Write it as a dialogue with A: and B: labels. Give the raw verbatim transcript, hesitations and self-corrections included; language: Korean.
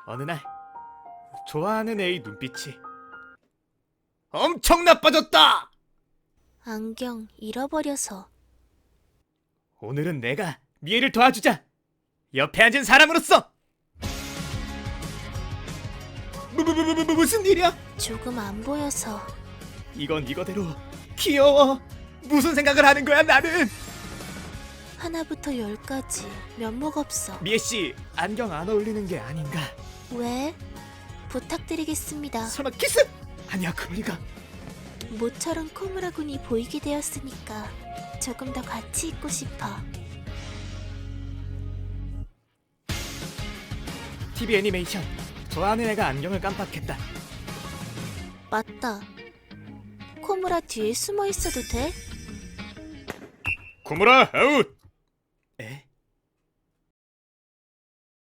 A: 어느 날 좋아하는 애의 눈빛이 엄청 나빠졌다.
B: 안경 잃어버려서.
A: 오늘은 내가 미애를 도와주자. 옆에 앉은 사람으로서. 무, 무, 무, 무, 무, 무슨 일이야?
B: 조금 안 보여서.
A: 이건 이거대로 귀여워. 무슨 생각을 하는 거야 나는?
B: 하나부터 열까지 면목 없어.
A: 미애씨 안경 안 어울리는 게 아닌가?
B: 왜? 부탁드리겠습니다.
A: 설마 키스? 아니야 그럴 리가.
B: 모처럼 코무라 군이 보이게 되었으니까 조금 더 같이 있고 싶어.
A: 티비 애니메이션. 좋아하는 애가 안경을 깜빡했다.
B: 맞다. 코무라 뒤에 숨어 있어도 돼?
A: 구무라 아웃. 에?